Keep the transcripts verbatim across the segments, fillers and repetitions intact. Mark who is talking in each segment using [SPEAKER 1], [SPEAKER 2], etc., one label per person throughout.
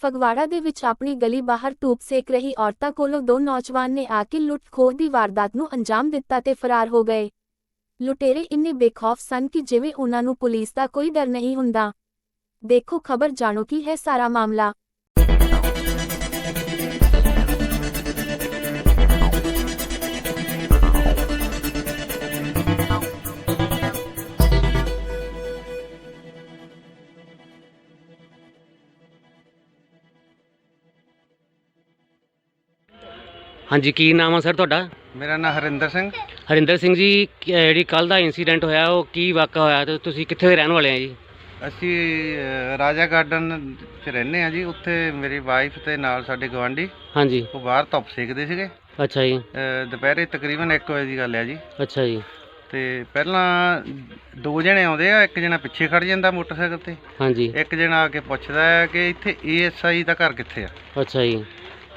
[SPEAKER 1] ਫਗਵਾੜਾ ਦੇ ਵਿੱਚ ਆਪਣੀ ਗਲੀ ਬਾਹਰ ਧੂਪ ਸੇਕ ਰਹੀ ਔਰਤਾਂ ਕੋਲੋਂ ਦੋ ਨੌਜਵਾਨ ਨੇ ਆ ਕੇ ਲੁੱਟ ਖੋਹ ਦੀ ਵਾਰਦਾਤ ਨੂੰ ਅੰਜਾਮ ਦਿੱਤਾ ਤੇ ਫਰਾਰ ਹੋ ਗਏ। ਲੁਟੇਰੇ ਇੰਨੇ ਬੇਖੌਫ ਸਨ ਕਿ ਜਿਵੇਂ ਉਹਨਾਂ ਨੂੰ ਪੁਲਿਸ ਦਾ ਕੋਈ ਡਰ ਨਹੀਂ ਹੁੰਦਾ। ਦੇਖੋ ਖਬਰ, ਜਾਣੋ ਕੀ ਹੈ ਸਾਰਾ ਮਾਮਲਾ।
[SPEAKER 2] ਹਾਂਜੀ, ਕੀ ਨਾਮ ਆ ਸਰ ਤੁਹਾਡਾ?
[SPEAKER 3] ਮੇਰਾ ਨਾਮ ਹਰਿੰਦਰ ਸਿੰਘ।
[SPEAKER 2] ਹਰਿੰਦਰ ਸਿੰਘ ਜੀ, ਜਿਹੜੀ ਕੱਲ ਦਾ ਇਨਸੀਡੈਂਟ ਹੋਇਆ ਉਹ ਕੀ ਵਾਕਾ ਹੋਇਆ ਤੇ ਤੁਸੀਂ ਕਿੱਥੇ ਦੇ ਰਹਿਣ ਵਾਲੇ ਆ ਜੀ?
[SPEAKER 3] ਅਸੀਂ ਅ, ਰਾਜਾ ਗਾਰਡਨ 'ਚ ਰਹਿੰਦੇ ਹਾਂ ਜੀ। ਉੱਥੇ ਮੇਰੀ ਵਾਈਫ ਤੇ ਨਾਲ ਸਾਡੇ ਗਵਾਂਢੀ
[SPEAKER 2] ਹਾਂਜੀ।
[SPEAKER 3] ਉਹ ਬਾਹਰ ਧੁੱਪ ਸੇਕਦੇ ਸੀਗੇ।
[SPEAKER 2] ਅੱਛਾ ਜੀ।
[SPEAKER 3] ਅ, ਦੁਪਹਿਰੇ ਤਕਰੀਬਨ ਇੱਕ ਵਜੇ ਦੀ ਗੱਲ ਹੈ ਜੀ।
[SPEAKER 2] ਅੱਛਾ ਜੀ।
[SPEAKER 3] ਤੇ ਪਹਿਲਾਂ ਦੋ ਜਣੇ ਆਉਂਦੇ ਆ, ਇੱਕ ਜਣਾ ਪਿੱਛੇ ਖੜ ਜਾਂਦਾ ਮੋਟਰਸਾਈਕਲ ਤੇ,
[SPEAKER 2] ਹਾਂਜੀ।
[SPEAKER 3] ਇੱਕ ਜਣਾ ਆ ਕੇ ਪੁੱਛਦਾ ਹੈ ਕਿ ਇੱਥੇ ਏ ਐਸ ਆਈ ਦਾ ਘਰ ਕਿੱਥੇ ਆ।
[SPEAKER 2] ਅੱਛਾ ਜੀ।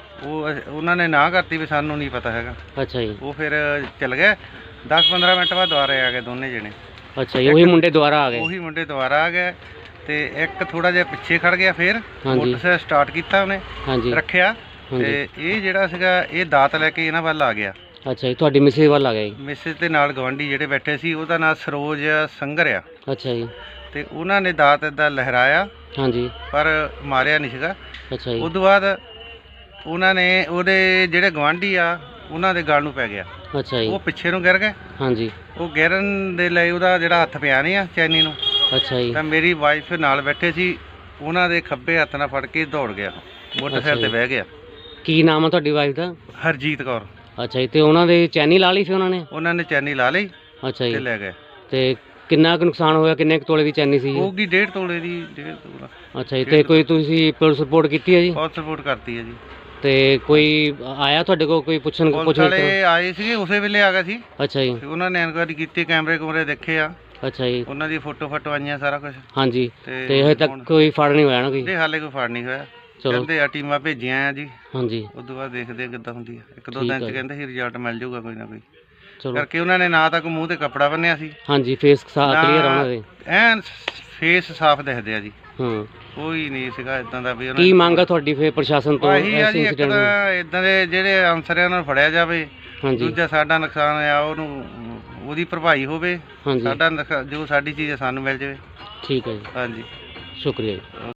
[SPEAKER 3] ਉਹ ਅ- ਉਹਨਾਂ ਨੇ ਨਾ ਕਰਤੀ ਵੀ ਸਾਨੂੰ ਨਹੀਂ ਪਤਾ ਹੈਗਾ।
[SPEAKER 2] ਅੱਛਾ ਜੀ।
[SPEAKER 3] ਉਹ ਫਿਰ ਚੱਲ ਗਏ। ਦਸ ਪੰਦਰਾਂ ਮਿੰਟ ਬਾਅਦ ਦੁਬਾਰੇ ਆ ਗਏ ਦੋਨੇ ਜਣੇ।
[SPEAKER 2] ਅੱਛਾ ਜੀ, ਉਹੀ ਮੁੰਡੇ ਦੁਬਾਰਾ ਆ ਗਏ?
[SPEAKER 3] ਉਹੀ ਮੁੰਡੇ ਦੁਬਾਰਾ ਆ ਗਏ ਤੇ ਇੱਕ ਥੋੜਾ ਜਿਹਾ ਪਿੱਛੇ ਖੜ ਗਿਆ। ਫਿਰ
[SPEAKER 2] ਹਾਂਜੀ।
[SPEAKER 3] ਮੋਟਰਸਾਈਕਲ ਸਟਾਰਟ ਕੀਤਾ ਉਹਨੇ,
[SPEAKER 2] ਹਾਂਜੀ।
[SPEAKER 3] ਰੱਖਿਆ
[SPEAKER 2] ਹਾਂਜੀ।
[SPEAKER 3] ਤੇ ਇਹ ਜਿਹੜਾ ਸੀਗਾ ਇਹ ਦਾਤ ਲੈ ਕੇ ਇਹਨਾਂ ਵੱਲ ਆ ਗਿਆ।
[SPEAKER 2] ਅੱਛਾ ਜੀ, ਤੁਹਾਡੀ ਮਿਸਿਸ ਵੱਲ ਆ ਗਿਆ ਜੀ?
[SPEAKER 3] ਮਿਸਿਸ ਦੇ ਨਾਲ ਗਵਾਂਢੀ ਜਿਹੜੇ ਬੈਠੇ ਸੀ, ਉਹਦਾ ਨਾਮ ਸਰੋਜ ਸੰਗਰ ਆ।
[SPEAKER 2] ਅੱਛਾ ਜੀ।
[SPEAKER 3] ਤੇ ਉਹਨਾਂ ਨੇ ਦਾਤ ਏਦਾਂ ਲਹਿਰਾਇਆ
[SPEAKER 2] ਹਾਂਜੀ।
[SPEAKER 3] ਪਰ ਮਾਰਿਆ ਨਹੀਂ ਸੀਗਾ।
[SPEAKER 2] ਅੱਛਾ ਜੀ।
[SPEAKER 3] ਉਸ ਤੋਂ ਬਾਅਦ ਉਹਨਾਂ ਨੇ ਉਹਦੇ ਜਿਹੜੇ ਗਵਾਂਢੀ ਆ ਉਹਨਾਂ ਦੇ ਗਲ ਨੂੰ ਪੈ ਗਿਆ।
[SPEAKER 2] ਅੱਛਾ ਜੀ।
[SPEAKER 3] ਉਹ ਪਿੱਛੇ ਨੂੰ ਗਿਰ ਗਏ।
[SPEAKER 2] ਹਾਂਜੀ।
[SPEAKER 3] ਉਹ ਗਿਰਨ ਦੇ ਲਈ ਉਹਦਾ ਜਿਹੜਾ ਹੱਥ ਪਿਆ ਨਹੀਂ ਆ ਚੈਨੀ ਨੂੰ,
[SPEAKER 2] ਅੱਛਾ ਜੀ।
[SPEAKER 3] ਤਾਂ ਮੇਰੀ ਵਾਈਫ ਨਾਲ ਬੈਠੇ ਸੀ, ਉਹਨਾਂ ਦੇ ਖੱਬੇ ਹੱਥ ਨਾਲ ਫੜ ਕੇ ਦੌੜ ਗਿਆ, ਮੋਟਰਸਾਈਕਲ ਤੇ ਬਹਿ ਗਿਆ।
[SPEAKER 2] ਕੀ ਨਾਮ ਆ ਤੁਹਾਡੀ ਵਾਈਫ ਦਾ?
[SPEAKER 3] ਹਰਜੀਤ ਕੌਰ।
[SPEAKER 2] ਅੱਛਾ ਜੀ, ਤੇ ਉਹਨਾਂ ਦੇ ਚੈਨੀ ਲਾ ਲਈ ਸੀ ਉਹਨਾਂ ਨੇ?
[SPEAKER 3] ਉਹਨਾਂ ਨੇ ਚੈਨੀ ਲਾ ਲਈ
[SPEAKER 2] ਅੱਛਾ
[SPEAKER 3] ਤੇ
[SPEAKER 2] ਜੀ।
[SPEAKER 3] ਲੈ ਗਏ।
[SPEAKER 2] ਤੇ ਕਿੰਨਾ ਕੁ ਨੁਕਸਾਨ ਹੋਇਆ? ਕਿੰਨੇ ਕੁ ਤੋਲੇ ਦੀ ਚੈਨੀ ਸੀ?
[SPEAKER 3] ਹੋਊਗੀ ਡੇਢ ਤੋਲੇ ਦੀ। ਡੇਢ ਤੋਲਾ।
[SPEAKER 2] ਅੱਛਾ ਜੀ। ਤੇ ਕੋਈ ਤੁਸੀਂ ਪੁਲਿਸ ਰਿਪੋਰਟ ਕੀਤੀ ਹੈ ਜੀ?
[SPEAKER 3] ਬਹੁਤ ਸਪੋਰਟ ਕਰਤੀ ਹੈ ਜੀ।
[SPEAKER 2] ਤੇ ਕੋਈ ਆਇਆ ਤੁਹਾਡੇ ਕੋਲ ਕੋਈ ਪੁੱਛਣ
[SPEAKER 3] ਪੁਲਿਸ
[SPEAKER 2] ਪੁੱਛ
[SPEAKER 3] ਵਾਲੇ ਆਏ ਸੀਗੇ, ਉਸੇ ਵੇਲੇ ਆ ਗਏ ਸੀ।
[SPEAKER 2] ਅੱਛਾ ਜੀ।
[SPEAKER 3] ਤੇ ਉਹਨਾਂ ਨੇ ਇਨਕੁਆਇਰੀ ਕੀਤੀ, ਕੈਮਰੇ ਕੁਮਰੇ ਦੇਖੇ ਆ,
[SPEAKER 2] ਅੱਛਾ ਜੀ।
[SPEAKER 3] ਉਹਨਾਂ ਦੀ ਫੋਟੋ ਫਟੋ ਆਈਆਂ, ਸਾਰਾ ਕੁਝ।
[SPEAKER 2] ਹਾਂਜੀ।
[SPEAKER 3] ਤੇ
[SPEAKER 2] ਤੇ ਹਜੇ ਤੱਕ
[SPEAKER 3] ਹੁਣ-
[SPEAKER 2] ਕੋਈ ਫੜ ਨਹੀਂ ਹੋਇਆ ਨਾ ਕੋਈ?
[SPEAKER 3] ਤੇ ਹਾਲੇ ਕੋਈ ਫੜ ਨਹੀਂ ਹੋਇਆ।
[SPEAKER 2] ਚਲੋ।
[SPEAKER 3] ਕਹਿੰਦੇ ਆ ਟੀਮਾਂ ਭੇਜੀਆਂ ਆ ਜੀ।
[SPEAKER 2] ਹਾਂਜੀ।
[SPEAKER 3] ਉਸ ਤੋਂ ਬਾਅਦ ਦੇਖਦੇ ਆ ਕਿੱਦਾਂ ਹੁੰਦੀ ਆ। ਇੱਕ ਦੋ
[SPEAKER 2] ਠੀਕ
[SPEAKER 3] ਦਿਨ
[SPEAKER 2] ਆ
[SPEAKER 3] ਚ
[SPEAKER 2] ਜੀ।
[SPEAKER 3] ਕਹਿੰਦੇ ਸੀ ਰਿਜ਼ਲਟ ਮਿਲ ਜਾਊਗਾ ਕੋਈ ਨਾ ਕੋਈ।
[SPEAKER 2] ਚਲੋ।
[SPEAKER 3] ਕਰਕੇ ਉਹਨਾਂ ਨੇ ਨਾ ਤਾਂ ਕੋਈ ਮੂੰਹ ਤੇ ਕੱਪੜਾ ਬੰਨਿਆ ਸੀ,
[SPEAKER 2] ਹਾਂਜੀ, ਫੇਸ
[SPEAKER 3] ਨਾ
[SPEAKER 2] ਕਲੀਅਰ ਉਹਨਾਂ ਦੇ?
[SPEAKER 3] ਐਨ ਫੇਸ ਸਾਫ਼ ਦਿਖਦੇ ਆ ਜੀ।
[SPEAKER 2] ਹਾਂ।
[SPEAKER 3] ਕੋਈ ਨਹੀਂ ਸੀਗਾ ਇਦਾਂ ਦਾ ਵੀ।
[SPEAKER 2] ਕੀ ਮੰਗ ਆ ਤੁਹਾਡੀ ਫੇਰ ਪ੍ਰਸ਼ਾਸਨ ਤੋਂ
[SPEAKER 3] ਆਹੀ ਆ
[SPEAKER 2] ਇਸ
[SPEAKER 3] ਜੀ, ਇੱਕ
[SPEAKER 2] incident
[SPEAKER 3] ਤਾਂ ਇਦਾਂ ਦੇ ਜਿਹੜੇ ਅਨਸਰ ਆ ਉਹਨਾਂ ਨੂੰ ਫੜਿਆ ਜਾਵੇ।
[SPEAKER 2] ਹਾਂਜੀ।
[SPEAKER 3] ਦੂਜਾ ਸਾਡਾ ਨੁਕਸਾਨ ਆ ਉਹਨੂੰ ਉਹਦੀ ਭਰਪਾਈ ਹੋਵੇ।
[SPEAKER 2] ਹਾਂਜੀ।
[SPEAKER 3] ਸਾਡਾ ਨੁਕਸਾ- ਜੋ ਸਾਡੀ ਚੀਜ਼ ਆ ਸਾਨੂੰ ਮਿਲ ਜਾਵੇ।
[SPEAKER 2] ਠੀਕ ਹੈ ਜੀ,
[SPEAKER 3] ਹਾਂਜੀ,
[SPEAKER 2] ਸ਼ੁਕਰੀਆ ਜੀ।